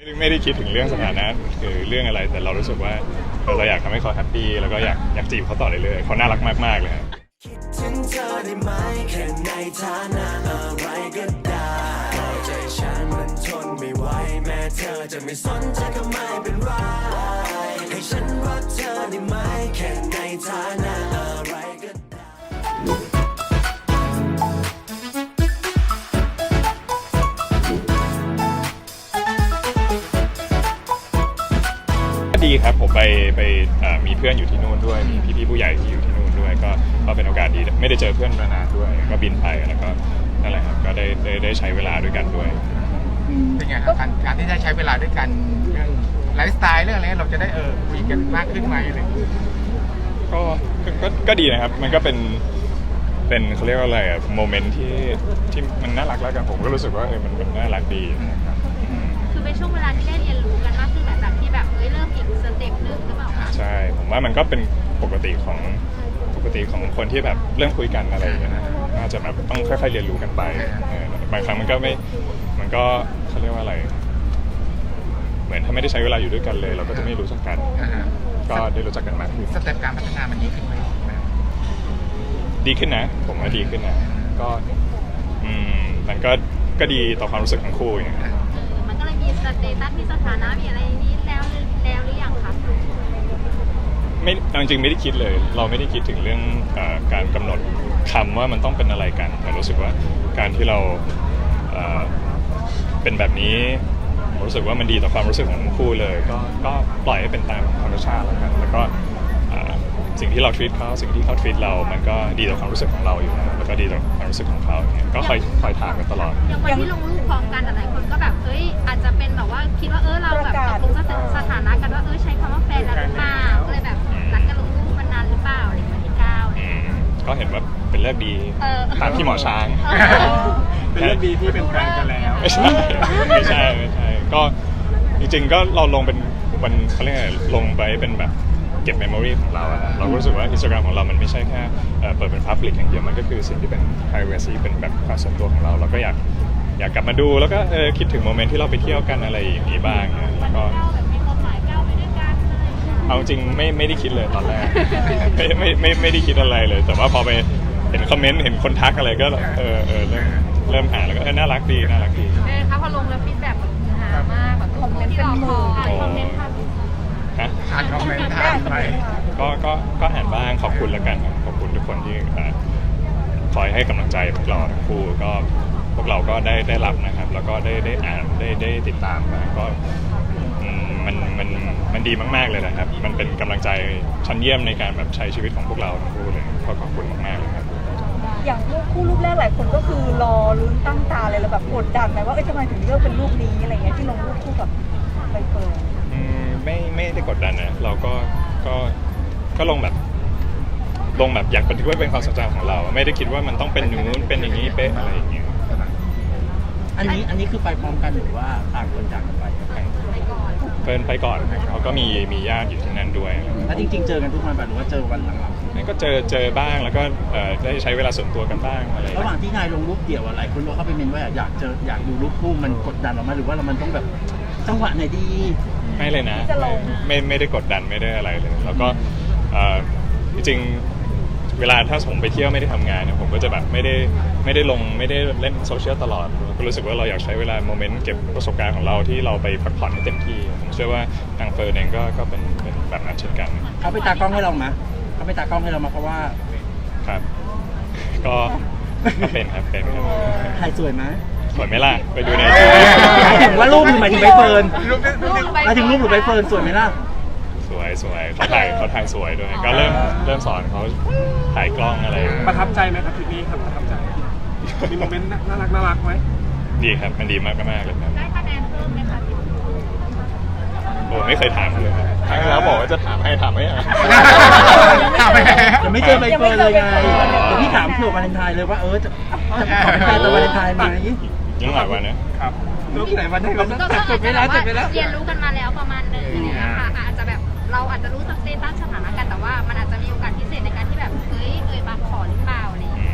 ไม่ได้คิดถึงเรื่องสถานะคือเรื่องอะไรแต่เรารู้สึกว่าเราอยากทำให้เขาแฮปปี้แล้วก็อยากจีบเขาต่อเรื่อยๆเขาน่ารักมากๆเลยครับคิดถึงเธอได้ไหมแค่ในฐานะอะไรก็ได้ใจฉันมันทนไม่ไหวแม้เธอจะไม่สนใจก็ไม่เป็นไรให้ฉันรักเธอได้ไหมแค่ในฐานะอะไรก็ได้ดีครับผมไปมีเพื่อนอยู่ที่นู่นด้วยมีพี่ๆผู้ใหญ่ที่อยู่ที่นู่นด้วยก็เป็นโอกาสดีไม่ได้เจอเพื่อนมานานด้วยก็บินไปแล้วก็นั่นแหละครับก็ได้ใช้เวลาด้วยกันด้วยเป็นไงครับการที่ได้ใช้เวลาด้วยกันเรื่องไลฟ์สไตล์เรื่องอะไรเราจะได้คุยกันมากขึ้นไหมอะไรอย่างเงี้ยก็ดีนะครับมันก็เป็นเขาเรียกว่าอะไรอะโมเมนต์ที่มันน่ารักแล้วกันผมก็รู้สึกว่ามันน่ารักดีนะครับคือเป็นช่วงเวลาที่ได้เรียนรู้กันมากขึ้นหลังจากที่แบบเริ่มอีกสเต็ปนึงหรือเปล่าคะใช่ผมว่ามันก็เป็นปกติของคนที่แบบเริ่มคุยกันอะไรอย่างเงี้ยนะน่าจะแบบต้องค่อยๆเรียนรู้กันไปบางครั้งมันก็เขาเรียกว่าอะไรเหมือนถ้าไม่ได้ใช้เวลาอยู่ด้วยกันเลยเราก็จะไม่รู้จักกันก็ได้รู้จักกันมากขึ้นสเต็ปการพัฒนามันดีขึ้นไหมดีขึ้นนะผมว่าดีขึ้นนะก็มันก็ดีต่อความรู้สึกของคู่อย่างเงี้ยมันก็เลยมีสเตตัสมีสถานะมีอะไรนี้แล้วหรือยังคะไม่จริงๆไม่ได้คิดเลยเราไม่ได้คิดถึงเรื่องการกำหนดคำว่ามันต้องเป็นอะไรกันแต่รู้สึกว่าการที่เราเป็นแบบนี้ผมรู้สึกว่ามันดีต่อความรู้สึกของทั้งคู่เลยก็ปล่อยให้เป็นตามธรรมชาติแล้วกันแล้วก็สิ่งที่เรา treat เขาสิ่งที่เขา treat เรามันก็ดีต่อความรู้สึกของเราอยู่แล้วแล้วก็ดีต่อความรู้สึกของเขาอย่างเงี้ยก็คอยถามกันตลอดอย่างวันที่ลงรูปพร้อมกันหลายคนก็แบบอาจจะเป็นแบบว่าคิดว่าเราแบบตกลงสถานะกันว่าใช้คำว่าแฟนแล้วหรือเปล่าก็เลยแบบรักกันลงรูปมานานหรือเปล่าอะไรวันที่9 ก็เห็นว่าเป็นเรื่องดีตามที่หมอช้างเป็นเรื่องดีที่เป็นแฟนกันแล้วไม่ใช่ก็จริงๆก็เราลงเป็นวันเขาเรียกอะไรลงไปเป็นแบบเก็บเมมโมรีของเราเรารู้สึกว่า Instagram ของเรามันไม่ใช่แค่เปิดเป็น Public อย่างเดียวมันก็คือสิ่งที่เป็น privacy เป็นแบบความส่วนตัวของเราก็อยากกลับมาดูแล้วก็คิดถึงโมเมนต์ที่เราไปเที่ยวกันอะไรอย่างนี้บ้างแล้วก็เอาจริงไม่ได้คิดเลยตอนแรกไม่ได้คิดอะไรเลยแต่ว่าพอไปเห็นคอมเมนต์เห็นคนทักอะไรก็เริ่มอ่านแล้วก็น่ารักดีค่ะพอลงแล้วฟีดแบ็กแบบหามากแบบคอมเมนต์เป็นหมื่นคอมเมนต์อ่านคอมเมนต์อ่านไปก็อ่านบ้างขอบคุณแล้วกันขอบคุณทุกคนที่คอยให้กำลังใจพวกเราทั้งคู่ก็พวกเราก็ได้รับนะครับแล้วก็ได้อ่านได้ติดตามมาก็มันดีมากๆเลยนะครับมันเป็นกำลังใจชั้นเยี่ยมในการแบบใช้ชีวิตของพวกเราทั้งคู่เลยก็ขอบคุณมากๆเลยครับอย่างรูปแรกหลายคนก็คือรอลุ้นตั้งตาเลยแล้วแบบกดดันไหมว่าทำไมถึงเลือกเป็นรูปนี้อะไรเงี้ยที่ลงรูปคู่กับใบเฟิร์นไม่ได้กดดันนะเราก็ลงแบบอยากบันทึกไว้เป็นความทรงจำของเราไม่ได้คิดว่ามันต้องเป็นนู้นเป็นอย่างนี้เป๊ะอะไรอย่างเงี้ยอันนี้คือไปพร้อมกันหรือว่าต่างคนต่างไปเฟิร์นไปก่อนเขาก็มีญาติอยู่ที่นั่นด้วยแล้วจริงๆเจอกันทุกวันหรือว่าเจอวันหลังๆก็เจอบ้างแล้วก็ได้ใช้เวลาส่วนตัวกันบ้างอะไรระหว่างที่นายลงรูปเดี่ยวหลายคนบอกเข้าไปเมนว่าอยากดูรูปคู่มันกดดันเราไหมหรือว่ามันต้องแบบจังหวะไหนดีไม่เลยนะไม่ได้กดดันไม่ได้อะไรเลยแล้วก็จริงเวลาถ้าผมไปเที่ยวไม่ได้ทำงานเนี่ยผมก็จะแบบไม่ได้ลงไม่ได้เล่นโซเชียลตลอดก็รู้สึกว่าเราอยากใช้เวลาโมเมนต์เก็บประสบการณ์ของเราที่เราไปพักผ่อนให้เต็มที่ผมเชื่อว่าทางเฟิร์นเองก็เป็นแบบนั้นเช่นกันเขาไปตากล้องให้เราไหมเขาไปตากล้องให้เรามาเพราะว่าครับก็เป็นครับถ่ายสวยไหมสวยไหมล่ะไปดูในหมายถึงว่ารูปหรือหมายถึงใบเฟิร์นหมายถึงรูปหรือใบเฟิร์นสวยไหมล่ะสวยเขาถ่ายสวยด้วยก็เริ่มสอนเขาถ่ายกล้องอะไรประทับใจไหมครับทริปนี้ครับประทับใจมีโมเมนต์น่ารักไหมดีครับมันดีมากเลยครับได้คะแนนเพิ่มไหมคะโอ้ไม่เคยถามเลยครั้งแล้วบอกว่าจะถามไม่ยังไม่เจอใบเฟิร์นเลยไงแต่พี่ถามเผื่อวาเลนไทน์เลยว่าจะขอเป็นแฟนตัววาเลนไทน์ไหมยังหลายวันนะครับรูปไหนวันนี้เราจดไปแล้วเรียนรู้กันมาแล้วประมาณนึงอาจจะแบบเราอาจจะรู้สเตตัสสถานะกันแต่ว่ามันอาจจะมีโอกาสพิเศษในการที่แบบบางขอหรือเปล่าอะไรอย่างเงี้ย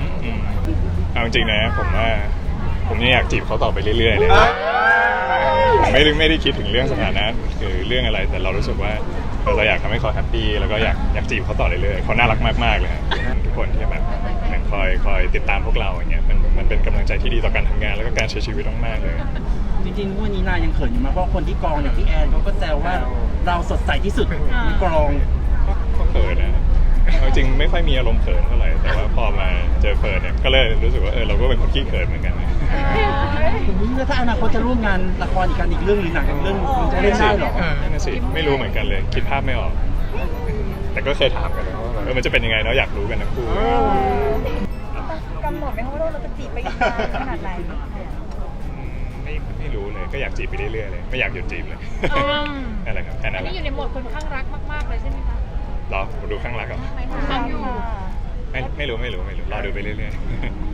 เอาจริงนะผมว่าผมยังอยากจีบเขาต่อไปเรื่อยๆเลยไม่ได้คิดถึงเรื่องสถานะคือเรื่องอะไรแต่เรารู้สึกว่าเราอยากทำให้เขาแฮปปี้แล้วก็อยากจีบเขาต่อเรื่อยๆเขาน่ารักมากๆเลยฮะทุกคนที่แบบเหมือนคอยติดตามพวกเราอย่างเงี้ยมันเป็นกำลังใจที่ดีต่อการทำงานแล้วก็การใช้ชีวิตมากๆเลยจริงๆวันนี้นายยังเขินอยู่มากเพราะคนที่กองอย่างพี่แอนเขาก็แซวว่าเราสดใสที่สุดในกองก็เขินนะเอาจริงไม่ค่อยมีอารมณ์เขินเท่าไหร่แต่ว่าพอมาเจอเฟิร์นเนี่ยก็เลยรู้สึกว่าเราก็เป็นคนขี้เขินเหมือนกันนะแล้วถ้าอนาคตจะร่วมงานละครอีกเรื่องหรือหนังอีกเรื่องมันจะเล่นได้เหรอนั่นนะสิไม่รู้เหมือนกันเลยคิดภาพไม่ออก แต่ก็เคยถามกันนะว่ามันจะเป็นยังไงเนาะอยากรู้กันทั้งคู่กำหนดไหมคะว่าเราจะจีบไปอีกนานขนาดไหนไม่รู้เลยก็อยากจีบไปเรื่อยๆเลยไม่อยากหยุดจีบเลยนั่นแหละครับแค่นั้นแหนี่ละอยู่ในโหมดคนข้างรักมากๆเลยใช่ไหมคะรอดูข้างหลังก่อนไม่ถามอยู่ไม่รู้รอดูไปเรื่อยๆ